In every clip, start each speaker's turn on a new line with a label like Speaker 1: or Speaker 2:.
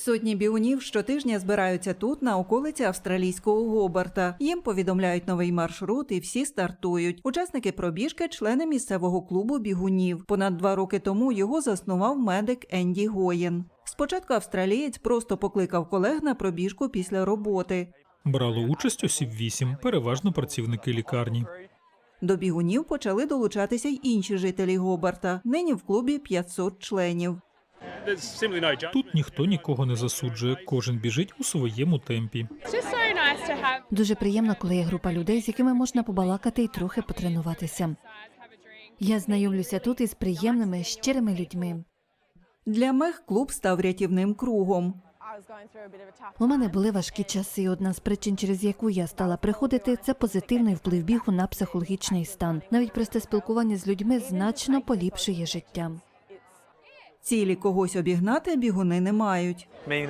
Speaker 1: Сотні бігунів щотижня збираються тут, на околиці австралійського Гобарта. Їм повідомляють новий маршрут і всі стартують. Учасники пробіжки – члени місцевого клубу бігунів. Понад 2 роки тому його заснував медик Енді Гоєн. Спочатку австралієць просто покликав колег на пробіжку після роботи.
Speaker 2: Брало участь осіб 8, переважно працівники лікарні.
Speaker 1: До бігунів почали долучатися й інші жителі Гобарта. Нині в клубі 500 членів.
Speaker 2: Тут ніхто нікого не засуджує, кожен біжить у своєму темпі.
Speaker 3: Дуже приємно, коли є група людей, з якими можна побалакати і трохи потренуватися. Я знайомлюся тут із приємними, щирими людьми.
Speaker 1: Для Мег клуб став рятівним кругом.
Speaker 3: У мене були важкі часи, і одна з причин, через яку я стала приходити, це позитивний вплив бігу на психологічний стан. Навіть просте спілкування з людьми значно поліпшує життя.
Speaker 1: Цілі когось обігнати бігуни не мають.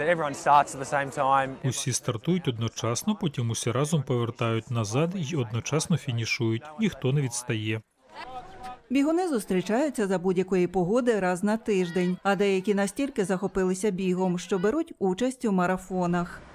Speaker 2: Усі стартують одночасно, потім усі разом повертають назад і одночасно фінішують. Ніхто не відстає.
Speaker 1: Бігуни зустрічаються за будь-якої погоди раз на тиждень, а деякі настільки захопилися бігом, що беруть участь у марафонах.